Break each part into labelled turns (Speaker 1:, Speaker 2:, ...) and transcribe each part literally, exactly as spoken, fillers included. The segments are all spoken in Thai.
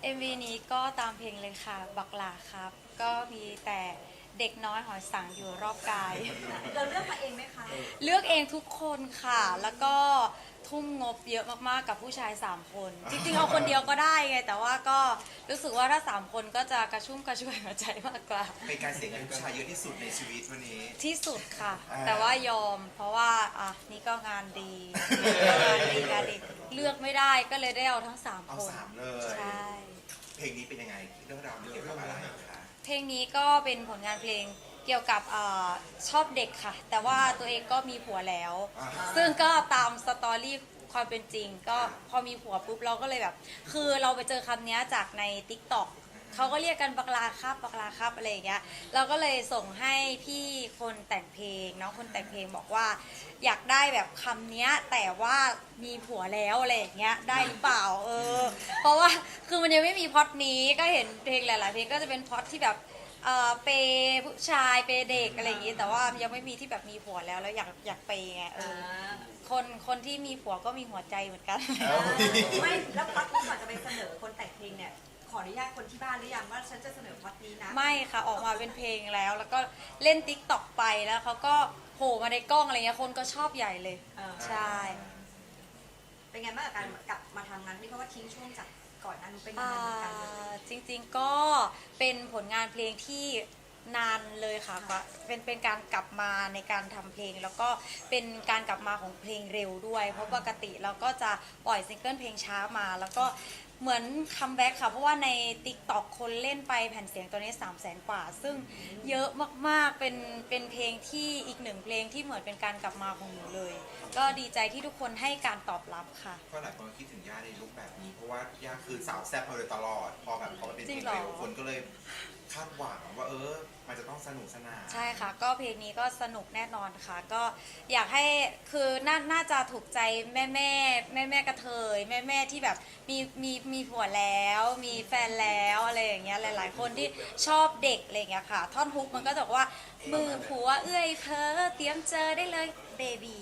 Speaker 1: เอ็ม วี นี้ก็ตามเพลงเลยค่ะบักหลาครับก็มีแต่เด็กน้อยหอยสังอยู่รอบกาย
Speaker 2: เราเลือกมาเองไหมคะ
Speaker 1: เลือกเองทุกคนค่ะแล้วก็ทุ่มงบเยอะมากๆกับผู้ชายสามคนจริงๆเอาคนเดียวก็ได้ไงแต่ว่าก็รู้สึกว่าถ้าสามคนก็จะกระชุ่มกระชวยหัวใจมากกว่า
Speaker 3: เป็นการเสียเงินผู้ชายเยอะที่สุดในชีวิตวันนี้
Speaker 1: ที่สุดค่ะ
Speaker 3: อ่า
Speaker 1: แต่ว่ายอมเพราะว่าอ่ะนี่ก็งานดีก็งานดีงานดีเลือกไม่ได้ก็เลยได้เอาทั้งสาม
Speaker 3: เอา
Speaker 1: คน
Speaker 3: สามเลย
Speaker 1: ใช่
Speaker 3: เพลงนี้เป็นยังไงเรื่องราวมันเกี่ยวกับอะไรคะ
Speaker 1: เพลงนี้ก็เป็นผลงานเพลงเกี่ยวกับอชอบเด็กค่ะ แต่ว่าตัวเองก็มีผัวแล้ว ซึ่งก็ตามสตอรี่ความเป็นจริง ก็พอมีผัวปุ๊บเราก็เลยแบบ คือเราไปเจอคำนี้จากใน ติ๊กต็อก เขาก็เรียกกันบักลาครับบักลาครับอะไรอย่างเงี้ยเราก็เลยส่งให้พี่คนแต่งเพลงน้องคนแต่งเพลงบอกว่าอยากได้แบบคำนี้แต่ว่ามีผัวแล้วอะไรอย่างเงี้ยได้หรือเปล่าเออเพราะว่าคือมันยังไม่มีพล็อตนี้ก็เห็นเพลงหลายๆเพลงก็จะเป็นพล็อตที่แบบเออเปย์ผู้ชายเปย์เด็กอะไรอย่างงี้แต่ว่ายังไม่มีที่แบบมีผัวแล้วแล้วอยากอยากเปย์ไงเออคนคนที่มีผัวก็มีหัวใจเหมือนกัน
Speaker 2: ไม่แล้วพล็อตนี้ก่อนจะไปเสนอคนแต่งเพลงเนี่ยขออนุญาตคนที่บ้านหรือยังว่าฉันจะเสนอพล็อตนี้นะ
Speaker 1: ไม่ค่ะออกมาเป็นเพลงแล้ว แล้วก็เล่นติ๊กต็อกไปแล้วเขาก็โผล่มาในกล้องอะไรเงี้ยคนก็ชอบใหญ่เลย
Speaker 2: เออ
Speaker 1: ใช่
Speaker 2: เป็นไงบ้างกับการกลับมาทำงานนี่เพราะว่าทิ้งช่วงจากก่อนหนั้นเป็นยัง
Speaker 1: อ่า
Speaker 2: ไงเหมือนกันเลย
Speaker 1: จริงๆก็เป็นผลงานเพลงที่นานเลยค่ะก็เป็นเป็นการกลับมาในการทำเพลง แล้วก็เป็นการกลับมาของเพลงเร็วด้วย เพราะปกติเราก็จะปล่อยซิงเกิลเพลงช้ามา แล้วก็เหมือนคัมแบ็กค่ะ เพราะว่าใน ติ๊กต็อก คนเล่นไปแผ่นเสียงตัวนี้สามแสนกว่า ซึ่งเยอะมากๆ เป็นเป็นเพลงที่อีกหนึ่งเพลงที่เหมือนเป็นการกลับมาของหนูเลย ก็ดีใจที่ทุกคนให้การตอบรับค่ะ
Speaker 3: ก็หลายคนคิดถึงย่าในลุคแบบนี้ เพราะว่าย่าคือสาวแซ่บมาโดยตลอด พอแบบพอมันเป็นเพ
Speaker 1: จริ
Speaker 3: ล
Speaker 1: ง
Speaker 3: ง
Speaker 1: เหรอ
Speaker 3: เร็วคนก็เลยคาดหวังว่าเออ มันจะต้องสนุกสนาน
Speaker 1: ใช่ค่ะก็เพลงนี้ก็สนุกแน่นอนค่ะก็อยากให้คือน่าน่าจะถูกใจแม่แม่แม่แม่กระเทยแม่แม่ที่แบบมีมีมีผัวแล้ว มีแฟนแล้วอะไรอย่างเงี้ยหลาย ๆ คนที่ชอบเด็กอะไรอย่างเงี้ยค่ะท่อนฮุกมันก็จะบอกว่ามือผัวเอื้อยเพอเตรียมเจอได้เลยเบบี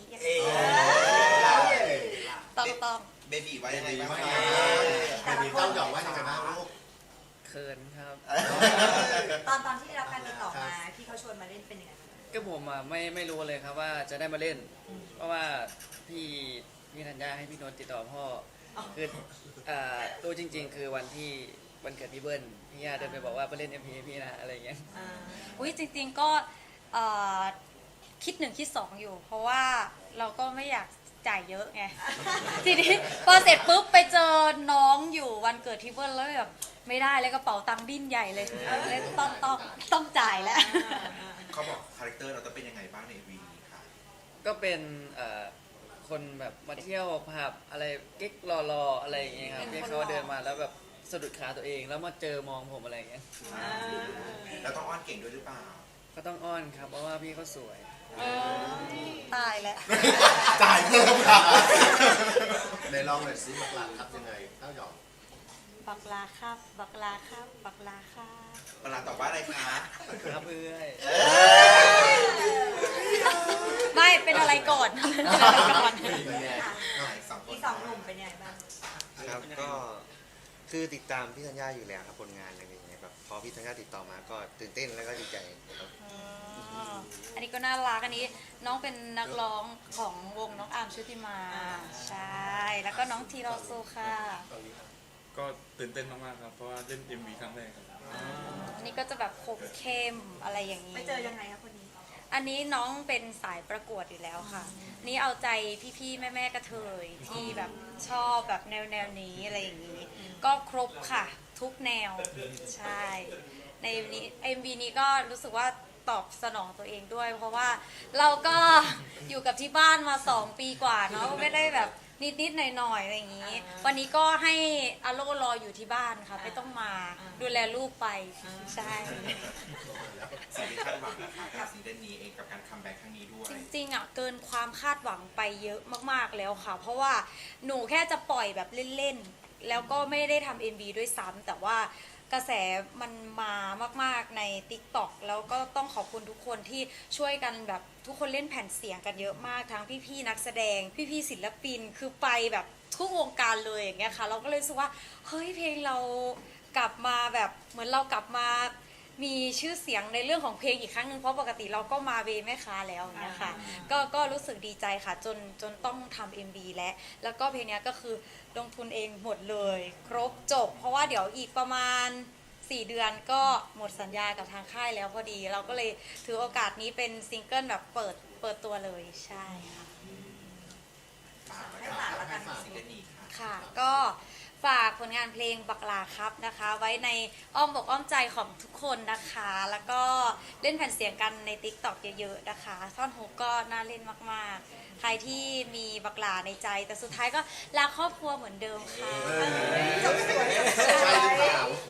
Speaker 1: ต้องต้อง
Speaker 3: เบบีไว้ยังไงบ้าง
Speaker 4: เบบีเต้าหยอกว่ายังไงบ้างลูก
Speaker 5: เขินครับ
Speaker 2: ตอนตอนที่ได้รับการติดต่อมาที่เขาชวนมาเล่นเป็นยังไงบ้าง
Speaker 5: ก็ผมอ่ะไม่ไม่รู้เลยครับว่าจะได้มาเล่น เพราะว่าพี่พี่ธัญญาให้พี่นนท์ติดต่อพ่อคืออ่าตัวจริง ๆ คือวันที่วันเกิดพี่เบิ้ลพี่ย่าเดินไปบอกว่าไปเล่นเอ็มพีพี่นะอะไรอย่างเงี้ย
Speaker 2: อ่า
Speaker 1: อุ้ยจริงๆก็เอ่อคิดหนึ่งคิดสองอยู่ เพราะว่าเราก็ไม่อยากจ่ายเยอะไง ทีนี้พอเสร็จปุ๊บไปเจอน้องอยู่วันเกิดที่เบิ้ลแล้วแบบไม่ได้เลยกระเป๋าตังค์ดิ้นใหญ่เลยเลยต้องต้องต้องจ่ายแล้ว
Speaker 3: เขาบอกคาแรคเตอร์เราจะเป็นยังไงบ้างในวีนี้ค่ะ
Speaker 5: ก็เป็นเอ่อคนแบบมาเที่ยวผับอะไรกิ๊กรอๆอะไรอย่างเงี้ยครับ
Speaker 1: เป็น
Speaker 5: ที่
Speaker 1: คน
Speaker 5: เขา
Speaker 1: หล่อ
Speaker 5: เดินมาแล้วแบบสะดุดขาตัวเองแล้วมาเจอมองผมอะไรอย่างเงี้ย
Speaker 3: แล้วต้องอ้อนเก่งด้วยหรือเปล่า
Speaker 5: ก็ต้องอ้อนครับเพราะว่าพี่เขาสวย
Speaker 1: เออตายแล้ว
Speaker 4: จ่ายเพิ่มค่ะในลองหน่อยซิบักหลักครับยังไงเต้าหยอก
Speaker 1: บักลาครับ บักลาครับ บักลาครับ
Speaker 3: เวลาตอบว่าอะไรคะ
Speaker 5: ครับเอ้ย
Speaker 1: ไม่เป็นอะไรก่อนเป็นอะไรก่อน
Speaker 3: สองค
Speaker 2: อี
Speaker 3: น
Speaker 2: กสองหนุ่มเป็นยังไงบ้าง
Speaker 6: ครับก็คือติดตามพี่ธัญญาอยู่แล้วครับผลงานอะไรอย่างเงี้ยแบบพอพี่ธัญญาติดต่อมาก็ตื่นเต้นแล้วก็ดีใจครับ
Speaker 1: อ๋ออันนี้ก็น่ารักอันนี้น้องเป็นนักร้องของวงน้องอาร์มชุติมา ใช่ แล้วก็น้องทีรอซูค่ะ
Speaker 7: ก็ตื่นเต้นมากๆครับ เพราะว่าเล่น เอ็ม วี ครั้งแรกครับ
Speaker 1: อันนี้ก็จะแบบคมเข้มอะไรอย่างนี้
Speaker 2: ไปเจอยังไงคะคนนี้
Speaker 1: อันนี้น้องเป็นสายประกวดอยู่แล้วค่ะ นี่เอาใจพี่ๆแม่ๆกระเทยที่แบบชอบแบบแนวแนวๆนี้อะไรอย่างนี้ ก็ครบค่ะ ทุกแนว ใช่ ในนี้ เอ็ม วี นี้ก็รู้สึกว่าตอบสนองตัวเองด้วย เพราะว่าเราก็อยู่กับที่บ้านมาสองปีกว่าเนาะไม่ได้แบบนิดๆหน่อยๆอะไรอย่างนี้ วันนี้ก็ให้อาโลรออยู่ที่บ้านค่ะ ไม่ต้องมาดูแลลูกไป ใช่
Speaker 3: สิ่งที่คาดหวังนะคะกับซีซั่นนี้เองกับการคัมแบ็กครั้งนี้ด้วย
Speaker 1: จริงๆอ่ะเกินความคาดหวังไปเยอะมากๆแล้วค่ะ เพราะว่าหนูแค่จะปล่อยแบบเล่นๆ แล้วก็ไม่ได้ทำ เอ็ม วี ด้วยซ้ำแต่ว่ากระแสมันมามากๆใน ติ๊กต็อก แล้วก็ต้องขอบคุณทุกคนที่ช่วยกันแบบทุกคนเล่นแผ่นเสียงกันเยอะมากทั้งพี่ๆนักแสดงพี่ๆศิลปินคือไปแบบทุกวงการเลยอย่างเงี้ยค่ะเราก็เลยรู้สึกว่าเฮ้ยเพลงเรากลับมาแบบเหมือนเรากลับมามีชื่อเสียงในเรื่องของเพลงอีกครั้งหนึ่งเพราะปกติเราก็มาเวแม่ค้าแล้วอย่างเงี้ยค่ะก็ก็รู้สึกดีใจค่ะจนจนต้องทำ เอ็ม วี และแล้วก็เพลงเนี้ยก็คือลงทุนเองหมดเลยครบจบ เพราะว่าเดี๋ยวอีกประมาณสี่เดือนก็หมดสัญญากับทางค่ายแล้วพอดี เราก็เลยถือโอกาสนี้เป็นซิงเกิลแบบเปิดเปิดตัวเลยใช่ค่ะ
Speaker 3: ฝาก
Speaker 2: ให้ฝากแล้วกัน
Speaker 3: ซิงเกิลนี้ค่ะ
Speaker 1: ค่ะก็ฝากผลงานเพลงบักลาครับนะคะ ไว้ในอ้อมอกอ้อมใจของทุกคนนะคะ แล้วก็เล่นแผ่นเสียงกันใน ติ๊กต็อก เยอะๆนะคะท่อนฮุกก็น่าเล่นมากๆ ใครที่มีบักลาในใจ แต่สุดท้ายก็รักครอบครัวเหมือนเดิมค่ะ
Speaker 4: ใช่หรือเปล่า